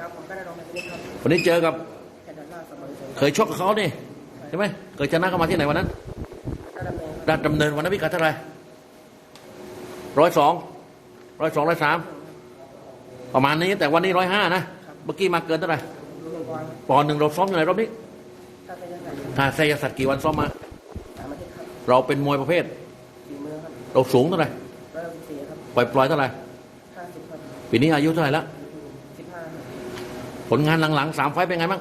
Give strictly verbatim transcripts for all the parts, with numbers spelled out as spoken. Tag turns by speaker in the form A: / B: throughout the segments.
A: ครับผมก็ได้ลงในนี้ครับ
B: วันนี้เจอกับ
A: แค่ด้านหน้าเสมอ
B: เคยชกกับเขานี่ใช่ไหมเคยชนะเขามาที่ไหนวันนั้น
A: ก็ดำเนิน
B: ราชดำเนินวันนั้นพิกัดเท่าไหร่ร้อยสองร้อยสองร้อยสามประมาณนี้แต่วันนี้ร้อยห้านะเมื่อกี้มาเกินเท่าไหร่
A: ดูก่อน
B: ปอนด์หนึ่งเราซ้อมอยู่ไหนรอบนี้
A: ถ้าเป็นยังไง
B: ถ้าไซยศักดิ์กี่วันซ้อมมา
A: สามอาทิตย์ครับ
B: เราเป็นมวยประเภท
A: ฝีมือครับ
B: เราสูงเท่าไหร่
A: ร้อยหกสิบสี่ครับ
B: ปล่อยปล่อยเท่าไหร่
A: ห้าสิบครับ
B: ปีนี้อายุเท่าไหร่แล้ว
A: สิบห้าครับ
B: ผลงานหลังๆสามไฟต์เป็นไงบ้าง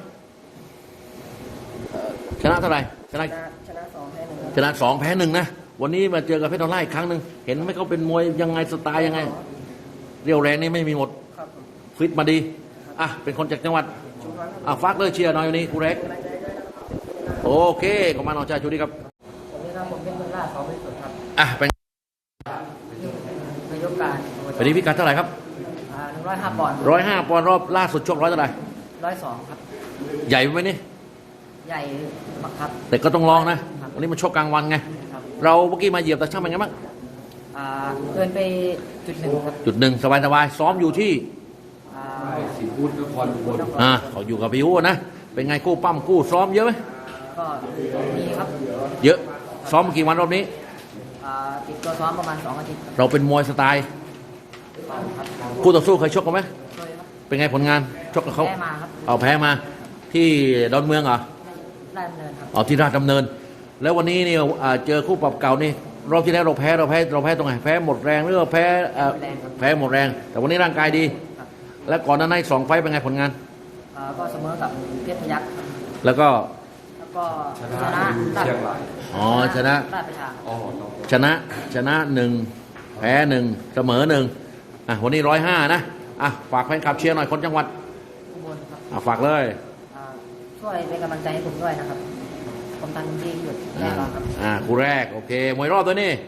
B: ชนะเท่าไหร่ชนะ
A: ชนะชนะสองแพ้หนึ่งครับ
B: ชนะสองแพ้หนึ่งนะวันนี้มาเจอกับเพชรดอลลาร์อีกครั้งหนึ่งเห็นไหมเขาเป็นมวยยังไงสไตล์ยังไงเรียวแรงนี่ไม่มีหมด
A: ครับผม
B: ฟิตมาดีอ่ะเป็นคนจากจังหวัด
A: ชุมพรครับ
B: อ่ะฝากเลยเชียร์หน่อยวันนี้ครูเล็ก
A: กำลังใจด้วยนะครับ
B: โอเคขอบคุณน้องชายชูดีครับ
A: ผมนี่ครับผมเป็นเมืองล่าสองเป็นสุดครับ
B: อ่ะเป็น
A: นายกการ
B: วันนี้พิกัดเท่าไหร่ครับ
A: อ่าหนึ่งร้อยห้าปอนด์
B: ร้อยห้าปอนด์รอบล่าสุดชกร้อยเท่าไหร่
A: ร้อยสองครับ
B: ใหญ่ไหมนี่
A: ใหญ่บักครับ
B: แต่ก็ต้องลองนะวันนี้มันชกกลางวันไง
A: ครับ
B: เราเมื่อกี้มาเหยียบแต่ช่างเป็นไงบ้าง
A: อ่าเกินไปจุดหนึ่งครับ
B: จุดหนึ่งสบายสบายๆซ้อมอยู่ที่
A: อ่า
C: สีพูดนครอุบล
B: อ่าเขาอยู่กับพี่อู๋นะเป็นไงคู่ปั้มคู่ซ้อมเยอะไหม
A: ก็มีครับ
B: เยอะซ้อมกี่วันรอบนี้
A: อ่าติดตัวซ้อมประมาณสองอาทิตย์ครับ
B: เราเป็นมวยสไตล์
A: ครับ
B: คู่ต่อสู้เคยชกกันไหม
A: เคยครับ
B: เป็นไงผลงานชกกับเขา
A: แพ้มาครับ
B: เอาแพ้มาที่ดอนเมืองเหรอ
A: ได้ดำเนินครับ
B: เอาที่ราชดำเนิน แล้ววันนี้เนี่ยอ่าเจอคู่ปรับเก่านี่รอบที่แล้วเราแพ้เราแพ้เราแพ้ตรงไหนแพ้หมดแรงหรือว่าแพ้เอ่อแพ้หมดแรง แต่วันนี้ร่างกายดี
A: ครับ
B: แล้วก่อนหน้านั้นอีกสองไฟต์เป็นไงผลงาน
A: อ่าก็เสมอกับเพชรพยัคฆ์ครับ
B: แล้วก็
A: แล้วก็
C: ช
A: ช
C: นะ
A: นะ
C: เชียงราย
B: อ๋อชนะ
A: ราชประชา
C: อ๋อน้อง
B: ชนะชนะหนึ่งแพ้หนึ่งเสมอหนึ่งอ่ะวันนี้ร้อยห้านะอ่ะฝากแฟนคลับเชียร์หน่อยคนจังหวัด
A: อุบลครับ
B: อ่ะฝากเลย
A: อ่าช่วยเป็นกำลังใจให้ผมด้วยนะครับผมทำดีที่สุดแน่นอนครับ
B: อ่าคู่แรกโอเคมวยรอบตัวนี้